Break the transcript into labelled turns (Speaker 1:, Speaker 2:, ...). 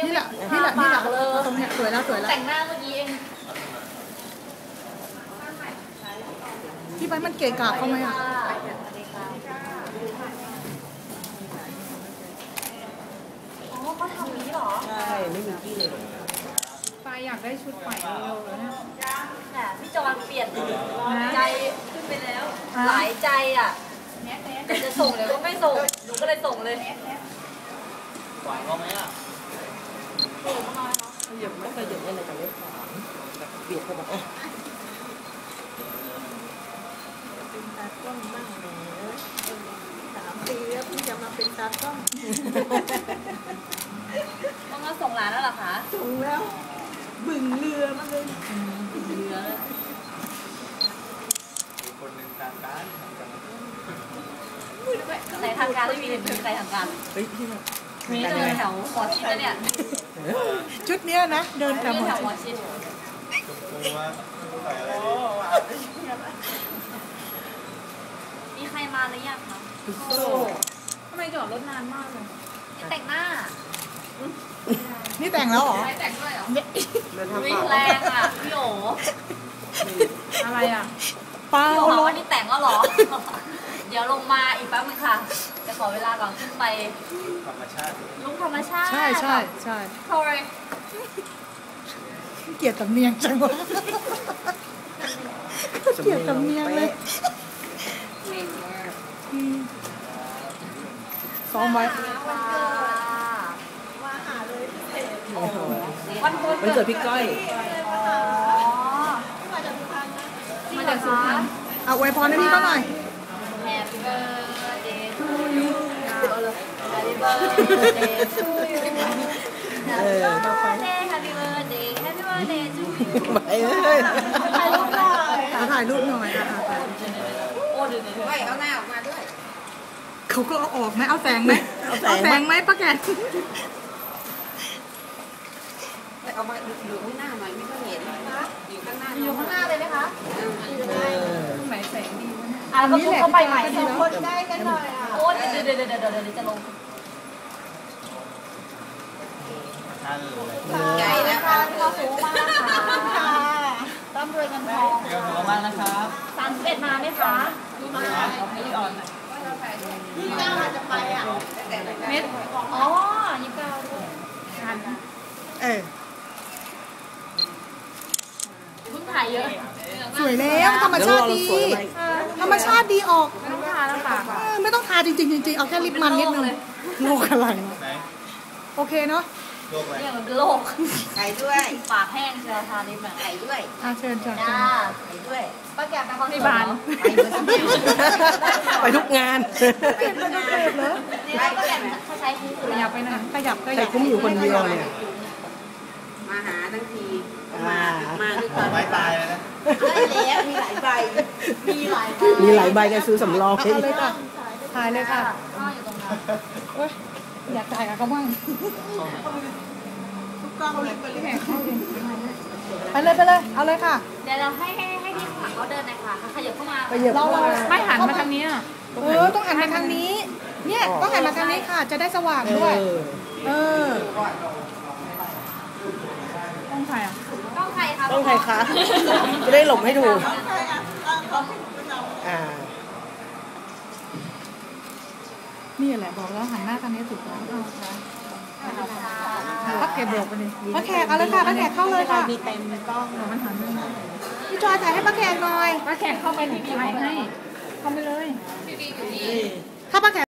Speaker 1: นี่แหละตรงเนี้ยสวยแล้ว
Speaker 2: แต่งหน้าเมื่อกี้เอง
Speaker 1: ที่ไปมันเกะกะเขาไหมอ่ะ
Speaker 2: อ๋อเขาทำนี้เหรอ
Speaker 3: ใช่ไม่มีที่เลย
Speaker 1: ปายอยากได้ชุดใหม่เร็วๆเลยนะ
Speaker 2: แต่พี่จอนเปลี่ยนใจขึ้นไปแล้วหลายใจอ่ะแต่จะส่งเลยก็ไม่ส่งหนูก็เลยส่งเลย
Speaker 4: หวานเขาไหมอ่ะ
Speaker 3: เหยียบไม่เคยเหยียบอะไรแต่ไม่ขวางเบียดเข้ามา
Speaker 1: เป็นตากล้องบ้างเลย3 ปีแล้วพี่จะมาเป็นตากล้อง
Speaker 2: ต้องมาส่งร้านแล้วเหรอคะ
Speaker 1: ส่งแล้วบึ่งเรือมาเลย
Speaker 2: เรือ
Speaker 4: มีคนหนึ่งทางการ
Speaker 2: ในทางการไม่มีเห็นใครทางการ
Speaker 3: เฮ้ยพี่
Speaker 2: มีเดินแถวหมอชิดนะเนี่ย
Speaker 1: ชุดเนี้ยนะเดินแถวหมอชิด
Speaker 4: ชมพูว่าใส่อะไรดี
Speaker 2: มีใครมาหรือยังคะทำไมจอดรถนานมากเลยแต่งหน้า
Speaker 1: นี่แต่งแล้วเหรอ
Speaker 2: แต่งด้วยเหรอ
Speaker 3: วิ่ง
Speaker 2: แรงอ่ะพี่โอ
Speaker 1: อะไรอ่ะเปล่า
Speaker 2: พี่โอบอกว่านี่แต่งแล้วหรอเดี๋ยวลงมาอีกแป๊บนึงค่ะจะขอเวลาก่อนขึ้นไป
Speaker 4: ธรรมชาติ
Speaker 2: ลุกธรรมชาติ
Speaker 1: ใช่
Speaker 2: โอ้ย
Speaker 1: เกลียดสำเนียงจังวะเกลียดสำเนียงเลยซ้อมไว้
Speaker 3: วันเกิดพี่ก้อย
Speaker 2: มาจากสุพรรณ
Speaker 1: เอาอวยพรให้พี่เขาหน่อย
Speaker 2: Happy birthday to you Happy birthday to you Happy birthday Happy birthday to you
Speaker 3: ไปเลย
Speaker 1: ถ่ายรูปหน่อย
Speaker 2: โอ้เดี๋ยวเอาหน้าออกมาด้วย
Speaker 1: เขาก็เอาออกไหมเอาแสงไหมป้าแก
Speaker 2: เอามาอยู่ข้างหน้าหน่อยไม่ก็เห็นอยู่ข้างหน้าเลยไหมคะ
Speaker 1: ไหนแสงดี
Speaker 2: แล้วก็เข้าไปใหม่คนได้กันหน่อยโอ้เดี๋ยวจะลงใหญ่นะคะที่เราสูงมากค่ะร่ำรวยเงินทอง
Speaker 4: ขอบคุณมากนะครับ
Speaker 2: 31มาไหมคะมาพี่อ่อน29อาจจะไปอ่ะเม็ดอ๋อ29ด้วยเพิ่งถ่ายเยอะ
Speaker 1: สวยแล้วธรรมชาติดีออก
Speaker 2: ไม่ต้องทาแล้วค่ะ
Speaker 1: ไม่ต้องทาจริงเอาแค่ลิปมันนิดนึงโลกอะไรโอเคเนาะ
Speaker 4: โลกอะไร
Speaker 2: เนี่ยมันเป็นโลกไก่ด้วยปากแห้งเชียวทาลิปไก่ด้วย
Speaker 1: เชิญจ้า
Speaker 2: ไก่ด้วยป้าแกไปคอนเสิร์ต
Speaker 3: ไปทุกงาน
Speaker 1: ไปทุกเทปเหรอ
Speaker 2: ป้าแกเขาใช้คุ้ม
Speaker 1: ขยับไปนะขยับ
Speaker 3: ใช้คุ้มอยู่คนเดียวเนี่ย
Speaker 2: มาหาทั้งที
Speaker 4: มาด้วยกันไม่ตายเลยนะ
Speaker 2: ได้แล้วมีหลายใบ
Speaker 3: กันซื้อสำรอง
Speaker 1: เอาเลยค่ะถ่ายเลยค่ะ
Speaker 2: อยู่ตรงนั้น
Speaker 1: อยากถ่ายกับเขาบ้างไปเลยเอาเลยค่ะ
Speaker 2: เดี๋ยวเราให้ที่ข้างหลังเขาเดินหน่อยค่ะขยับเข้ามา
Speaker 1: เรา
Speaker 2: ไม่หันมาทางนี้
Speaker 1: ต้องหันมาทางนี้เนี่ยต้องหันมาทางนี้ค่ะจะได้สว่างด้วยต้องใครอ่ะ
Speaker 2: ต้องใครคะ
Speaker 3: ต้องใครคะจะได้หลบให้ถูก
Speaker 1: นี่แหละบอกแล้วหันหน้าทางนี้ถูกแล้วป้าแขกบอกไปเลยป้าแขกเอาเลยค่ะป้าแขกเข้าเลยค่ะ
Speaker 3: มีเต็มกล้อง
Speaker 1: มันหันไม่ได้พี่จอยถ่ายให้ป้าแขกหน่อย
Speaker 2: ป้าแขกเข้าไปถ่ายให้
Speaker 1: เข้าไปเลยถ้าป้าแขก